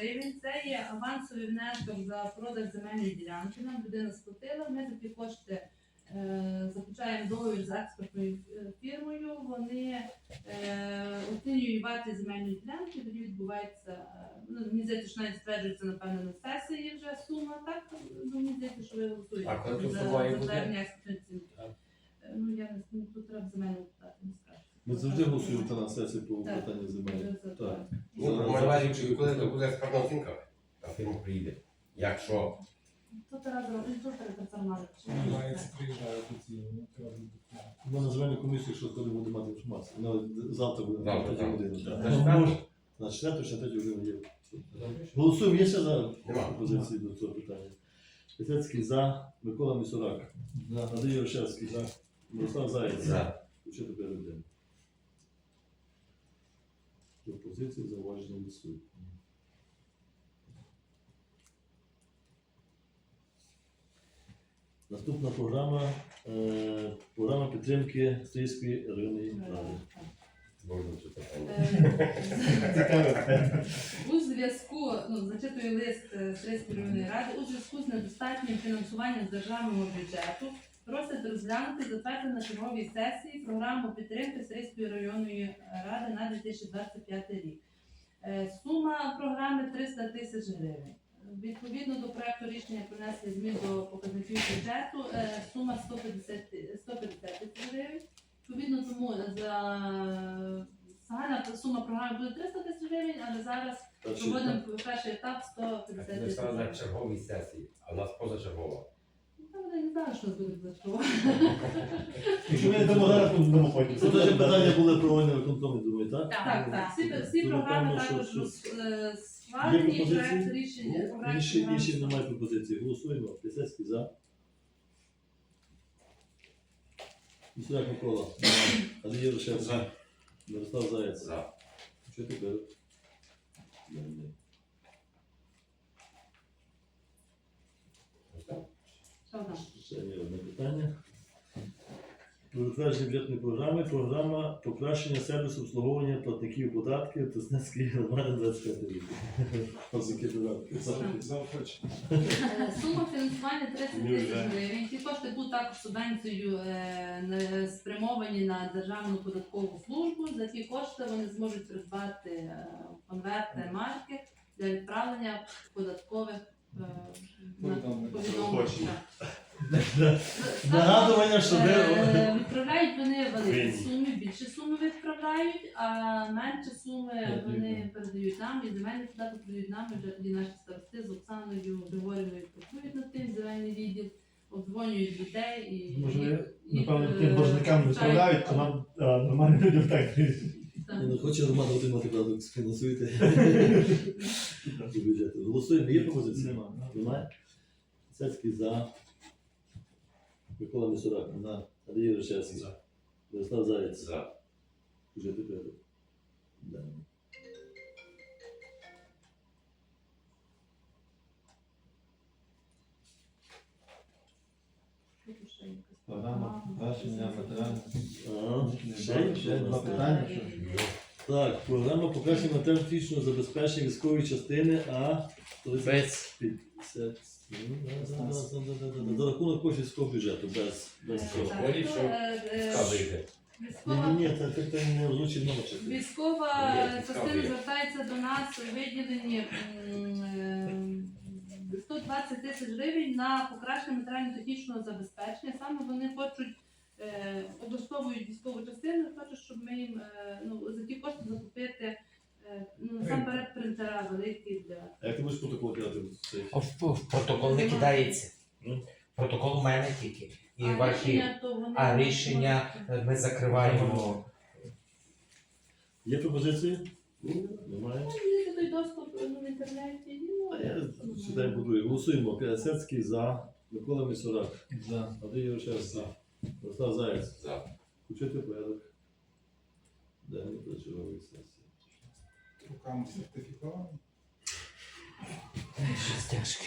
гривень. Це є авансовий внесок за продаж земельної ділянки. Нам людина сплатила, ми за ті кошти заключаємо договір з експертною фірмою, вони оцінюють вартість земельної ділянки, тоді відбувається, мені здається, що навіть стверджується, напевно, на сесії вже сума, так? Мені здається, що ви голосуєте за затвердження експертної ціни. Ну, я не тут треба земельну питати, не скажу. Ми завжди голосуємо на сесії по питанню земель. Так. Коли експертна оцінка, та фірма приїде. Якщо Тут разом, тут пересармали. Ми на земельну комісію, якщо коли буде мати інформацію. Вона завтра буде на 3 годину. На 4 чи 3 годину є. Голосуємо, є ще за пропозиції до цього питання. Пісецький за, Микола Місурак. Андрій Ошевський за. Мирослав Заєць. за. Включити порядок денний. Пропозиції, зауваження відсутні. Наступна програма програма підтримки Стрийської районної ради. У зв'язку, зачитую лист Стрийської районної ради, у зв'язку з недостатнім фінансуванням з державного бюджету просить розглянути і затвердити на черговій сесії програму підтримки Стрийської районної ради на 2025 рік. Сума програми 300 тисяч гривень. Відповідно до проекту рішення про внесення змін до показників бюджету, сума 150 тисяч гривень. Відповідно тому загальна сума програми буде 300 тисяч гривень, але зараз проводимо перший етап 150 тисяч гривень. Ми на черговій сесії, а у нас позачергова. Вони не знали, що у нас буде позачергова. Якщо ми не дамо зараз, то дамо потім. Це теж питання були проводені виконкомі, думаю, так? Так. Всі програми також схвалені, проект рішення. Інші немає пропозиції. Голосуємо. Пісецький за. Місурак Микола. Андрій Рошев за. Мирослав Заєць. За. Що тепер? Ще є одне питання. Про затвердження бюджетної програми. Програма покращення сервісу обслуговування платників податків Тоснецької громади 25 рік. Сума фінансування 30 тисяч гривень. Ці кошти будуть також субвенцією спрямовані на Державну податкову службу. За ті кошти вони зможуть придбати конверти, марки для відправлення податкових повідомлень. Нагадування, що відправляють вони великі суми, більше суми відправляють, а менше суми вони передають нам, і земельний податок передають нам, вже тоді наші старости з Оксаною Григорівною працюють над тим, земельний відділ, обдзвонюють людей і... Може, напевно, тим боржникам відправляють, а нам нормальні людям так. Не хоче громада отримати продукт, фінансуйте бюджету. Голосуємо. Є пропозиція? Немає. Пісецький за. Микола Місурак. За. Андрій Рошевський. За. Мирослав Заєць. За. Включити порядок денний. Програма покращення матеріальних. Ще Два питання. Так, програма покращення матеріально-технічного забезпечення військової частини А-50. За рахунок коштів військового бюджету, без цього. Ні, це не озвучить номер. Військова частина звертається до нас у виділенні 120 тисяч гривень на покращення матеріально-технічного забезпечення. Саме вони хочуть, облаштовують військову частину, хочуть, щоб ми їм за ті кошти закупити насамперед принтера великі для... А як ти будеш протокол кидати? В протокол не кидається. Протокол у мене тільки. І ваші рішення ми закриваємо. Є пропозиції? Немає. Є той доступ в інтернеті. А я читаю по-друге. Голосуємо. Пісецький за. Микола Місурак. За. Андрій Рошевський. Мирослав Заєць. За. Включити порядок денний до чергової сесії. Руками сертифіковані. Щось тяжке.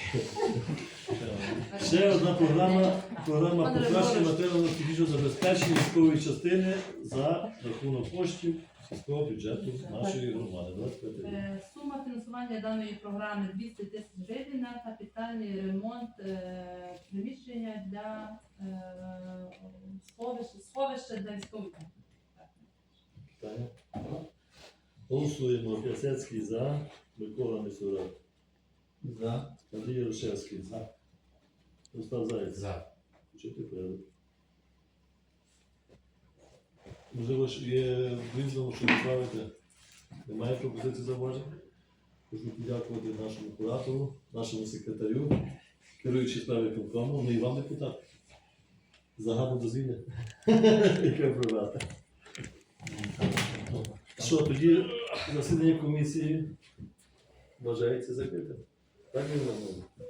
Ще одна програма покращення матеріально-технічного забезпечення військової частини за рахунок коштів сільського бюджету нашої громади. 25 рік. Сума фінансування фінансування даної програми 200 тисяч гривень на капітальний ремонт приміщення для сховища для військових. Питання? Голосуємо. П'ясецький за, Микола Мисюра. За. Андрій Ярошевський. За. Остап Заєць. За. Включити порядок. Можливо, ж є в різному, що відправити. Немає пропозицій зауважень. Хочу подякувати нашому куратору, нашому секретарю, керуючи справи виконкому, ну і вам, депутат, за гарне дозвілля, яке провести. Що, тоді засідання комісії вважається закритим? Так, Ірина Івановна?